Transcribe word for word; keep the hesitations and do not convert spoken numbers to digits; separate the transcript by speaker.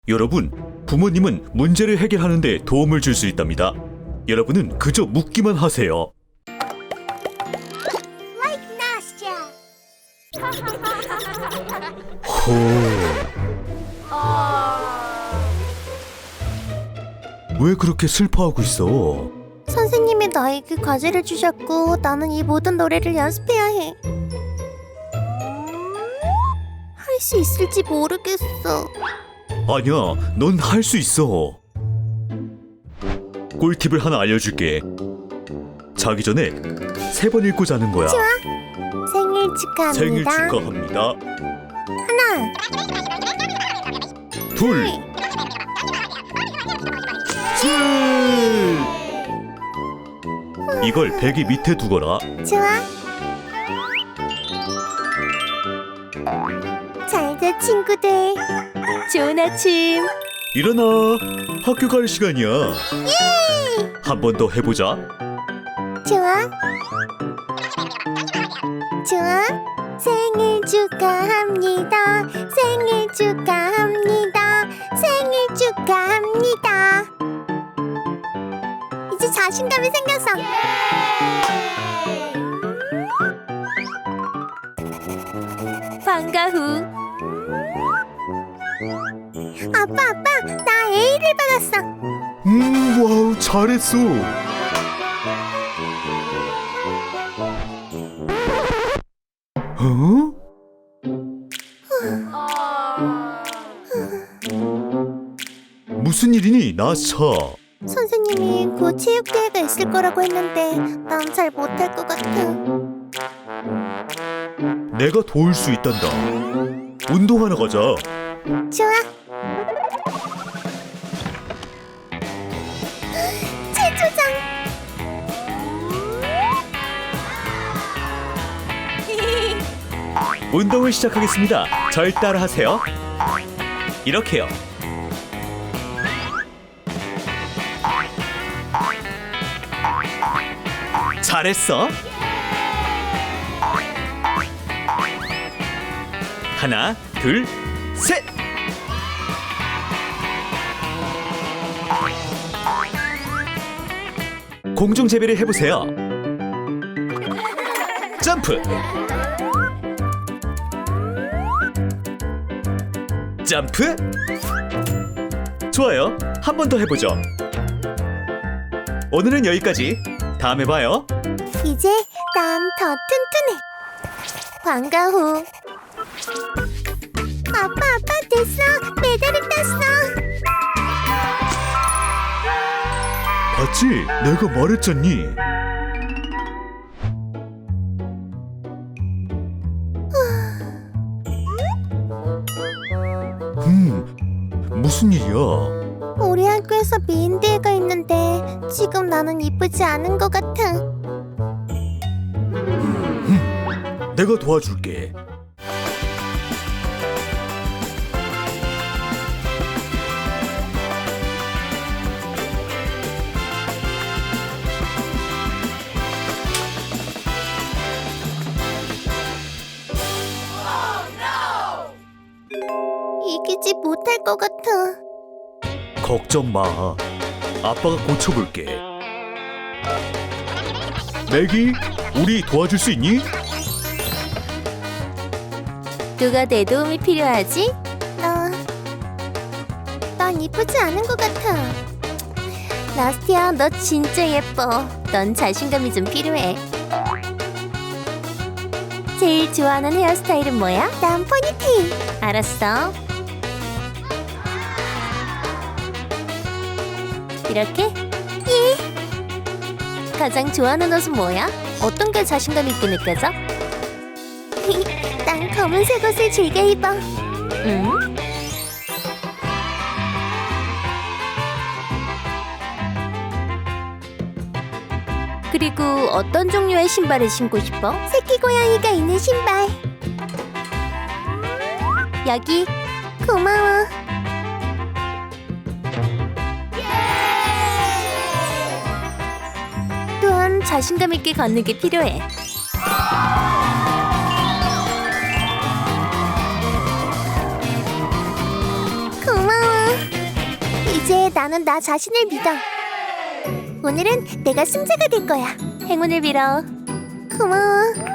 Speaker 1: 여러분, 부모님은 문제를 해결하는 데 도움을 줄 수 있답니다. 여러분은 그저 묻기만 하세요.
Speaker 2: Like Nastya.
Speaker 1: 호... 왜 그렇게 슬퍼하고 있어?
Speaker 2: 선생님이 나에게 과제를 주셨고 나는 이 모든 노래를 연습해야 해. 할 수 있을지 모르겠어.
Speaker 1: 아니야, 넌 할 수 있어. 꿀팁을 하나 알려줄게. 자기 전에 세 번 읽고 자는 거야.
Speaker 2: 좋아. 생일 축하합니다.
Speaker 1: 생일 축하합니다.
Speaker 2: 하나,
Speaker 1: 둘, 셋. 이걸 베개 밑에 두거라.
Speaker 2: 좋아. 잘자 친구들.
Speaker 3: 좋은 아침.
Speaker 1: 일어나. 학교 갈 시간이야. 한 번 더 해보자.
Speaker 2: 좋아. 좋아. 생일 축하합니다. 생일 축하합니다. 생일 축하합니다. 이제 자신감이 생겼어.
Speaker 3: 방과 후.
Speaker 2: 아빠, 아빠, 나 A를 받았어.
Speaker 1: 음, 와우, 잘했어. 어? 무슨 일이니, 나차?
Speaker 2: 선생님이 곧 체육대회가 있을 거라고 했는데 난 잘 못할 것 같아.
Speaker 1: 내가 도울 수 있단다. 운동하러 가자.
Speaker 2: 좋아. 최초장.
Speaker 1: 운동을 시작하겠습니다. 절 따라하세요. 이렇게요. 잘했어. 하나, 둘, 셋. 공중 제비를 해보세요. 점프. 점프. 좋아요. 한 번 더 해보죠. 오늘은 여기까지. 다음에 봐요.
Speaker 2: 이제 난 더 튼튼해. 방과 후. 아빠, 아빠 됐어. 메달을 땄어.
Speaker 1: 봤지? 내가 말했잖니. 음, 무슨 일이야?
Speaker 2: 우리 학교에서 미인대회가 있는데 지금 나는 이쁘지 않은 것 같아.
Speaker 1: 내가 도와줄게.
Speaker 2: 이기지 못할 것 같아.
Speaker 1: 걱정 마. 아빠가 고쳐볼게. 맥이, 우리 도와줄 수 있니?
Speaker 3: 누가 내 도움이 필요하지?
Speaker 2: 나... 난 이쁘지 않은 것 같아.
Speaker 3: 나스티아, 너 진짜 예뻐. 넌 자신감이 좀 필요해. 제일 좋아하는 헤어스타일은 뭐야?
Speaker 2: 난 포니테일.
Speaker 3: 알았어. 이렇게?
Speaker 2: 예.
Speaker 3: 가장 좋아하는 옷은 뭐야? 어떤 게 자신감 있게 느껴져?
Speaker 2: 난 검은색 옷을 즐겨 입어.
Speaker 3: 응? 그리고 어떤 종류의 신발을 신고 싶어?
Speaker 2: 새끼 고양이가 있는 신발.
Speaker 3: 여기.
Speaker 2: 고마워.
Speaker 3: 또한 자신감 있게 걷는 게 필요해.
Speaker 2: 고마워. 나는 나 자신을 믿어. 오늘은 내가 승자가 될 거야.
Speaker 3: 행운을 빌어.
Speaker 2: 고마워.